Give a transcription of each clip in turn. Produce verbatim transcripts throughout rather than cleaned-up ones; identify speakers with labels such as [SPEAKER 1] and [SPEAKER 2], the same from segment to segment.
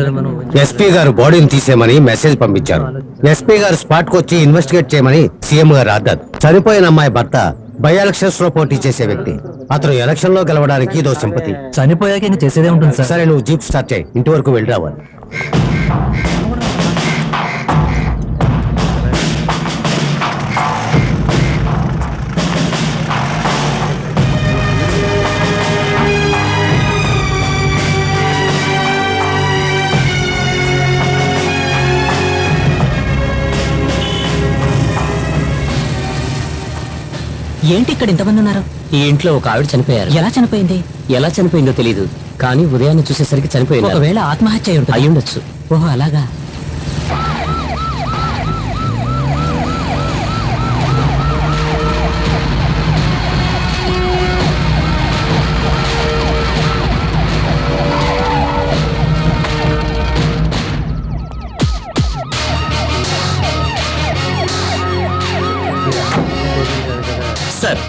[SPEAKER 1] SP గారు బాడీని తీసేయమని మెసేజ్ పంపించారు. ఎస్పీ గారు స్పాట్ కు వచ్చి ఇన్వెస్టిగేట్ చేయమని సీఎం గారు ఆర్డర్. చనిపోయిన అమ్మాయి భర్త బై ఎలక్షన్స్ లో పోటీ చేసే వ్యక్తి. అతను ఎలక్షన్ లో గెలవడానికి ఇదో సింపతి.
[SPEAKER 2] చనిపోయాక ఇంకా చేసేదే ఉంటుంది సార్.
[SPEAKER 1] సరే నువ్వు జీప్ స్టార్ట్ చేయి, ఇంటి వరకు వెళ్ళి రావాలి.
[SPEAKER 3] ఏంటి ఇక్కడ ఇంతమంది ఉన్నారు?
[SPEAKER 2] ఈ ఇంట్లో ఒక ఆవిడ చనిపోయారు.
[SPEAKER 3] ఎలా చనిపోయింది?
[SPEAKER 2] ఎలా చనిపోయిందో తెలియదు, కానీ ఉదయాన్నే చూసేసరికి చనిపోయింది.
[SPEAKER 3] ఒకవేళ ఆత్మహత్య అయి ఉంటుంది.
[SPEAKER 2] అయి ఉండొచ్చు.
[SPEAKER 3] ఓహో అలాగా.
[SPEAKER 2] సార్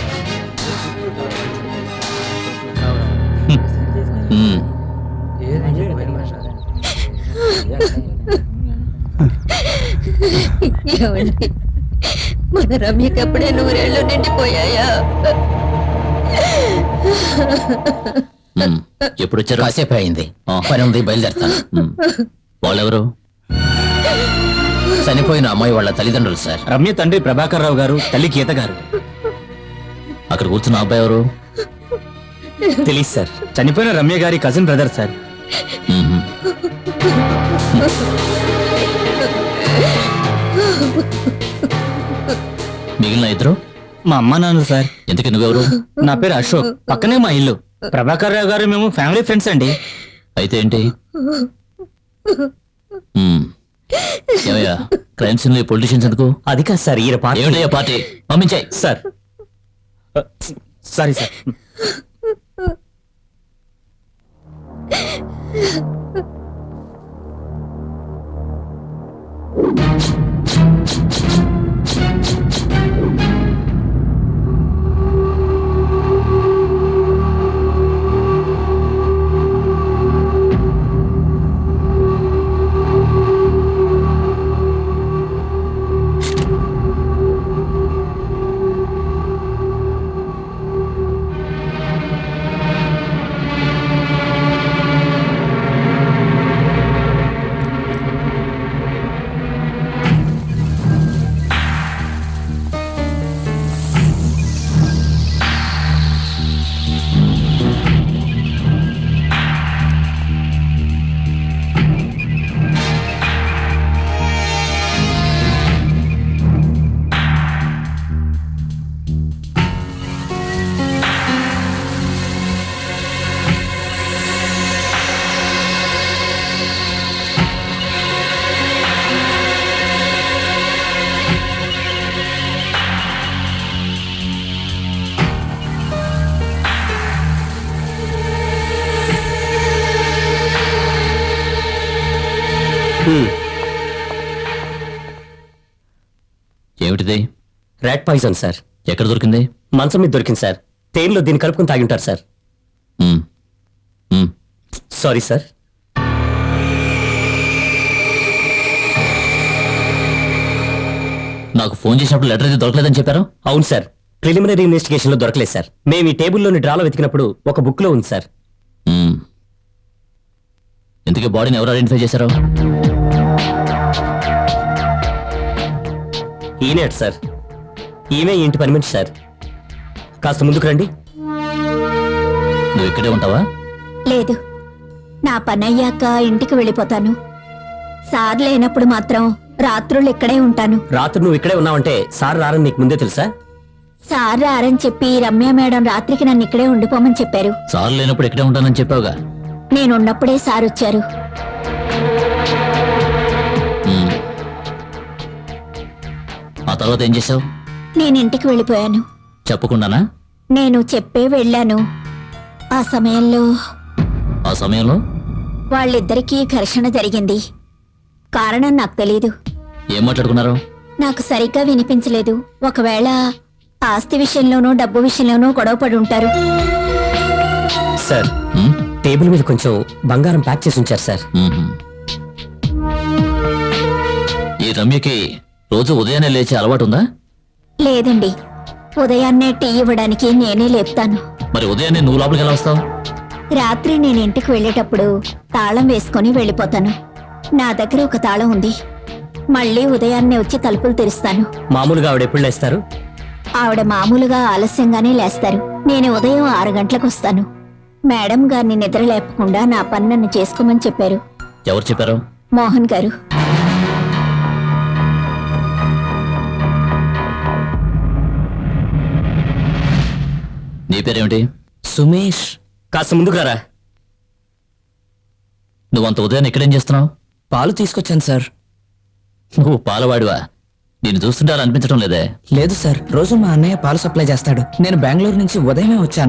[SPEAKER 4] ఏమండి, మన రమ్యకి అప్పుడే నూరేళ్ళు నిండిపోయాయా?
[SPEAKER 2] ఎప్పుడు వచ్చారు?
[SPEAKER 3] కాసేపు అయింది, పని ఉంది, బయలుదేరుతాను.
[SPEAKER 2] వాళ్ళెవరు?
[SPEAKER 3] చనిపోయిన అమ్మాయి వాళ్ళ తల్లిదండ్రులు సార్.
[SPEAKER 2] రమ్య తండ్రి ప్రభాకర్ రావు గారు, తల్లి గీత గారు. అక్కడ కూర్చున్న అబ్బాయి ఎవరు? తెలియదు సార్. చనిపోయిన రమ్య గారి కజిన్ బ్రదర్ సార్.
[SPEAKER 3] మిగిలిన ఇద్దరు
[SPEAKER 2] మా అమ్మ నాన్నలు సార్.
[SPEAKER 3] ఎందుకు నువ్వెవరు?
[SPEAKER 2] నా పేరు అశోక్, పక్కనే మా ఇల్లు. ప్రభాకర్ రావు గారు మేము ఫ్యామిలీ ఫ్రెండ్స్ అండి.
[SPEAKER 3] అయితే ఏంటి? క్రైమ్ సీన్ లో పొలిటీషియన్స్ ఎందుకు?
[SPEAKER 2] అది కాదు సార్, ఈయన పార్టీ.
[SPEAKER 3] ఏమిటయ్యా పార్టీ? పంపించాయి
[SPEAKER 2] సార్. Sorry sir.
[SPEAKER 3] ఏమిటిది?
[SPEAKER 2] Rat poison sir.
[SPEAKER 3] ఎక్కడ దొరికింది?
[SPEAKER 2] మంచం మీద దొరికింది సార్. తేనెలో దీన్ని కలుపుకుని తాగి ఉంటారు సార్.
[SPEAKER 3] మ్మ్. మ్మ్.
[SPEAKER 2] Sorry sir.
[SPEAKER 3] నాకు ఫోన్ చేసినప్పుడు లెటర్ అయితే దొరకలేదని చెప్పారు.
[SPEAKER 2] అవును సార్, ప్రిలిమినరీ ఇన్వెస్టిగేషన్ లో దొరకలేదు సార్. మేము ఈ టేబుల్లోని డ్రాలో వెతికినప్పుడు ఒక బుక్ లో ఉంది సార్.
[SPEAKER 3] మ్మ్. ఇంతకీ బాడీని ఎవరు ఐడెంటిఫై చేశారు?
[SPEAKER 2] ఈయనే సార్. ఈమె ఇంటి పని మనిషి సార్. కాస్త ముందుకు రండి.
[SPEAKER 3] నువ్వు ఇక్కడే ఉంటావా?
[SPEAKER 4] లేదు, నా పని అయ్యాక ఇంటికి వెళ్ళిపోతాను. సార్ లేనప్పుడు మాత్రం రాత్రులు ఇక్కడే ఉంటాను.
[SPEAKER 2] రాత్రి నువ్వు ఇక్కడే ఉన్నావంటే సార్ రారని నీకు ముందే తెలుసా?
[SPEAKER 4] సార్ రారని చెప్పి రమ్య మేడం రాత్రికి నన్ను ఇక్కడే ఉండిపోమని చెప్పారు.
[SPEAKER 3] సార్ లేనప్పుడు ఇక్కడే ఉంటానని చెప్పావుగా.
[SPEAKER 4] నేనున్నప్పుడే సార్ వచ్చారు.
[SPEAKER 3] మ్మ్. ఆ తర్వాత ఏం చేసావు?
[SPEAKER 4] నేను ఇంటికి వెళ్ళిపోయాను.
[SPEAKER 3] చెప్పకుండానా?
[SPEAKER 4] నేను చెప్పే వెళ్ళాను. ఆ సమయంలో
[SPEAKER 3] ఆ సమయంలో
[SPEAKER 4] వాళ్ళిద్దరికీ ఘర్షణ జరిగింది. కారణం నాకు తెలీదు.
[SPEAKER 3] ఏం మాట్లాడుకున్నారు?
[SPEAKER 4] నాకు సరిగ్గా వినిపించలేదు. ఒకవేళ ఆస్తి విషయంలోనూ డబ్బు విషయంలోనూ గొడవ పడి ఉంటారు.
[SPEAKER 2] సార్,
[SPEAKER 3] మ్మ్?
[SPEAKER 2] టేబుల్ మీద కొంచెం బంగారం ప్యాక్ చేసి ఉంచారు సార్.
[SPEAKER 3] మ్మ్హ్మ్. ఈ రమ్యకి రోజు ఉదయాన్నే లేచే అలవాటు ఉందా?
[SPEAKER 4] లేదండి, ఉదయాన్నే టీ ఇవ్వడానికి నేనే లేపుతాను.
[SPEAKER 3] మరి ఉదయాన్నే నువ్వు లోపలికి ఎలా వస్తావు?
[SPEAKER 4] రాత్రి నేను ఇంటికి వెళ్ళేటప్పుడు తాళం వేసుకొని వెళ్ళిపోతాను. నా దగ్గర ఒక తాళం ఉంది. మళ్ళీ ఉదయాన్నే వచ్చి తలుపులు తెరుస్తాను.
[SPEAKER 2] మామూలుగా ఆవిడ ఎప్పుడు లేస్తారు?
[SPEAKER 4] ఆవిడ మామూలుగా ఆలస్యంగానే లేస్తారు. నేను ఉదయం ఆరు గంటలకు వస్తాను. మేడం గారిని నిద్ర లేపకుండా నా పని నన్ను చేసుకోమని చెప్పారు.
[SPEAKER 3] ఎవరు చెప్పారు?
[SPEAKER 4] మోహన్ గారు.
[SPEAKER 3] నీ పేరేమిటి?
[SPEAKER 2] సుమేష్. కాస్త ముందుగారా.
[SPEAKER 3] నువ్వంత ఉదయాన్నే ఇక్కడేం చేస్తున్నావు?
[SPEAKER 2] పాలు తీసుకొచ్చాను సార్.
[SPEAKER 3] నువ్వు పాలవాడివా? నేను చూస్తుంటే అలా అనిపించడం లేదే.
[SPEAKER 2] లేదు సార్, రోజు మా అన్నయ్య పాలు సప్లై చేస్తాడు. నేను బెంగళూరు నుంచి ఉదయమే వచ్చాను.